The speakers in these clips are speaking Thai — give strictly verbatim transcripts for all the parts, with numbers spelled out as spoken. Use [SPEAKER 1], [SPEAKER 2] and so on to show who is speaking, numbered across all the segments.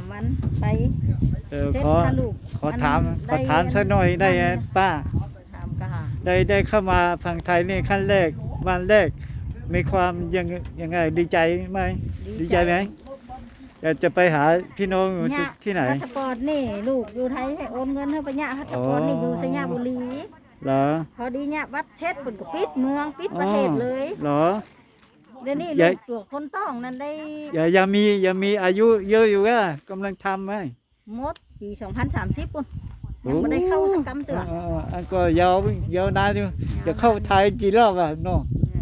[SPEAKER 1] วันไป
[SPEAKER 2] เออขอขอถามขอถามสักหน่อยได้ไหมป้า
[SPEAKER 1] ถามก็หา
[SPEAKER 2] ได้ได้เข้ามาฝั่งไทยนี่ขั้นแรกวันแรกมีความยังยังไงดีใจไหมดีใจไหมอยากจะไปหาพี่น้องที่ไหน
[SPEAKER 1] พาสปอร์ตนี่ลูกอยู่ไทยให้โอนเงินให้ไปเนี่ยพาสปอร์ตนี่อยู่สยามบุรี
[SPEAKER 2] เหรอ
[SPEAKER 1] พอดีเนี่ยวัดเช็ดปุ่นก็ปิดเมืองปิดประเทศเลย
[SPEAKER 2] เหรอ
[SPEAKER 1] เดี๋ยวนี้ลูกตัวคนต้องนั่นได้
[SPEAKER 2] อย่ายังมียังมีอายุเยอะอยู่ก็กำลังทำไหม
[SPEAKER 1] มดปีสองพันสามสิบปุ่นยังไม่ได้เข้าสักกำเตือน
[SPEAKER 2] อันก็ยาวยาวนานอยู่จะเข้าไทยกี่รอบอ่ะน้อง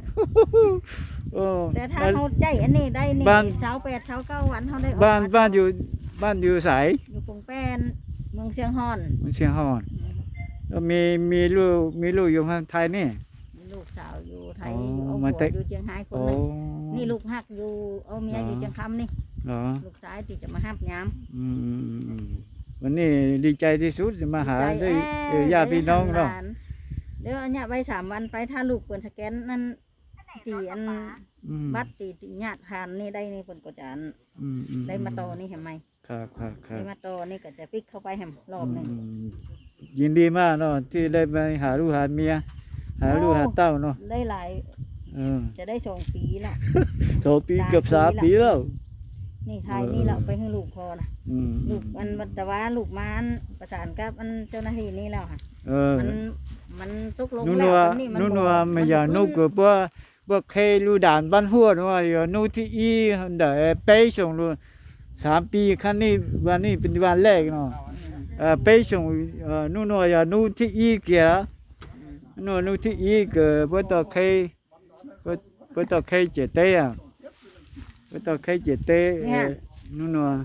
[SPEAKER 1] แต่ถ้าเขาใจอันนี้ได้นี่เสาแปดเสาเก้าวันเขาได้
[SPEAKER 2] บ้านบ้านอยู่บ้านอยู่สาย
[SPEAKER 1] อยู่ปงแป้นเมืองเชียงฮอน
[SPEAKER 2] เมืองเชียงฮอนแล้วมีมีลูกมีลูกอยู่ทางไทยนี่
[SPEAKER 1] มีลูกสาวอยู่ไทยเอาผัวอยู่เชียงรายคนนึงนี่ลูกหักอยู่เอาเมียอยู่เชียงคำนี่ลูกสายที่จะมาห้ามย้
[SPEAKER 2] ำวันนี้ดีใจที่สุดจะมาหาได้ญาติพี่น้องเนาะ
[SPEAKER 1] เดี๋ยวอันนี้ไปสามวันไปถ้าลูกเปิดสแกนนั่นตีอันบัตรตีตีญาติผ่านนี่ได้นี่คนก็จะได้มาโตนี่เห็นไหม
[SPEAKER 2] ครับครับครับ
[SPEAKER 1] ได้มาโตนี่ก็จะปิกเข้าไปแหมรอบหนึ่ง
[SPEAKER 2] ยินดีมากเนาะที่ได้ไปหาลูกหาเมียหาลูกหาเต้าเนาะ
[SPEAKER 1] ได้หลายจะได้สองปีละ
[SPEAKER 2] สองปีเกือบสามปีแล้ว
[SPEAKER 1] นี่ไทยนี่เราไปให้ลูกพอนะลูกมันแต่ว่าลูกมันประสานกับอันเจ้าหน้าที่นี่แล้วค่ะมันมันตกลงแล้ว
[SPEAKER 2] นี่มันนู่นว่าไม่อยากนู่นก็เพราะว่าเคยรู้ด่านบ้านหัวว่าอยู่นู่นที่อีเดี๋ยวไปส่งลูกสามปีครั้งนี้วันนี้เป็นวันแรกเนาะไปส่งนู่นว่าอยู่นู่นที่อีเกี่ยนู่นนู่นที่อีก็เพราะต่อเคยเพราะต่อเคยเจตเต้อะเพราะต่อเคยเจตเต้นู่นว่า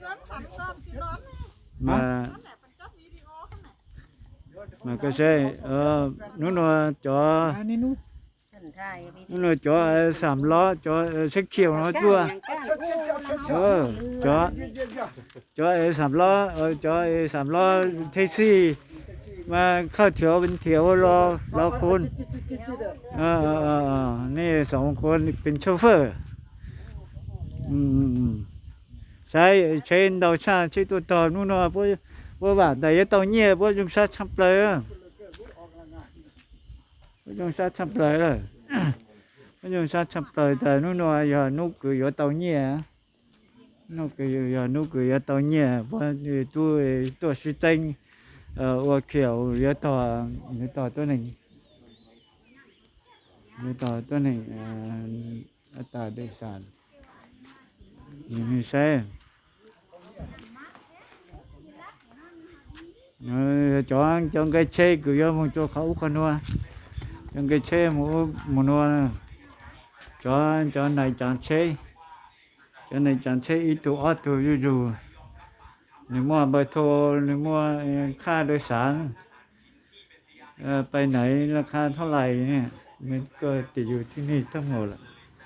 [SPEAKER 2] มาmà cái xe ờ nó nó cho nó nó cho sắm ló cho sách chiều nó chua ờ cho cho sắm ló ờ cho sắm ló taxi màเข้าเที่ยวเป็นเที่ยวรอรอคนเออเออนี่สองคนเป็นโชเฟอร์อืมใช้ใช้ดาวชาใช้ตัวต่อนู่นน่ะพวกพวกว่าแต่ยังต้องเงียบพวกยุงซาชับเลยพวกยุงซาชับเลยเลยพวกยุงซาชับเลยแต่นู่นน่ะอย่านุกคืออย่าต้องเงียบนุกคืออย่านุกคืออย่าต้องเงียบเพราะตัวตัวสุดจริงเอ่อว่าเขียวอย่าต่ออย่าต่อตัวหนึ่งอย่าต่อตัวหนึ่งเอ่ออัตราโดยสารยังไม่ใช่chọn chọn cái xe của do một chỗ khẩu con nuôi chọn cái xe một một nuôi chọn chọn này chọn xe chọn này chọn xe ít tuổi ít tuổi dù dù nếu mua bờ thô nếu muaค่าโดยสารไปไหนราคาเท่าไหร่เนี่ยมันก็ติดอยู่ที่นี่ทั้งหมดแหละ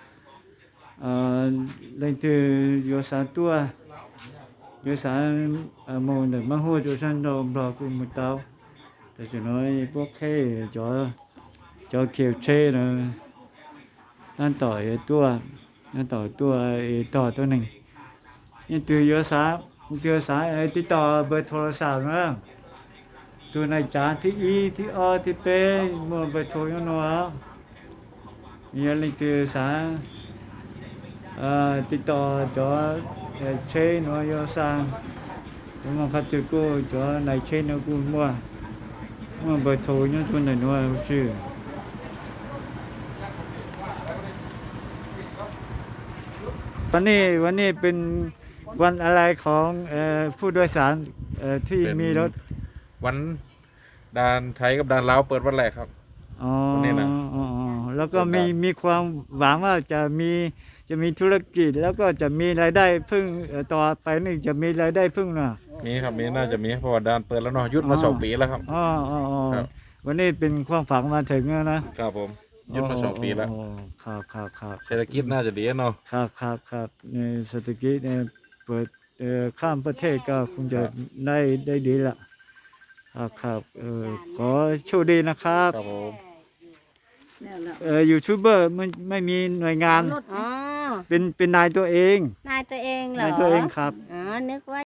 [SPEAKER 2] เลยคือโยสานตัวโยสานมองแต่มาหัวโยสานเราเราคุมเตาแต่จะน้อยพวกแค่จอจอเขียวเช่นะนั่นต่อตัวนั่นต่อตัวต่อตัวหนึ่งนี่ตัวโยสานตัวสายติดต่อเบอร์โทรศัพท์นะตัวในจานที่อีที่อที่เป้เมื่อเบอร์โทรยังนัวนี่เลยตัวสายติดต่อจอเช่นว่าโยสังผมมาคัดตัวกูจอในเช่นกูมั่วมั่วเบอร์โทรยังตัวไหนนัวชื่อวันนี้วันนี้เป็นวันอะไรของผู้โดยสารที่มีรถ
[SPEAKER 3] วันด่านไทยกับด่านลาวเปิดวันแรกครับ
[SPEAKER 2] อ๋อแล้วก็มีมีความหวังว่าจะมีจะมีธุรกิจแล้วก็จะมีรายได้พึ่งต่อไปนี่จะมีรายได้พึ่งนะ
[SPEAKER 3] มีครับมีน่าจะมีเพราะว่าด่านเปิดแล้วเนาะยุดมาสองปีแล้วครับ
[SPEAKER 2] อ๋ออ๋อวันนี้เป็นความฝังมาถึงแล้วนะครับ
[SPEAKER 3] ผมยุดมาสองปีแล้ว
[SPEAKER 2] ครับครับครับ
[SPEAKER 3] เศรษฐกิจน่าจะดีเนาะ
[SPEAKER 2] ครับครับครับในเศรษฐกิจเนี่ยเปิดข้ามประเทศก็คงจะได้ได้ดีละครับครับเออขอโชคดีนะครับ
[SPEAKER 3] ครับผม
[SPEAKER 2] เออยูทูบเบอร์มันไม่มีหน่วยงาน
[SPEAKER 1] อ๋อ
[SPEAKER 2] เป็นเป็นนายตัวเอง
[SPEAKER 1] นายตัวเองเหรอ
[SPEAKER 2] นายตัวเองครับ
[SPEAKER 1] อ๋อนึกว่า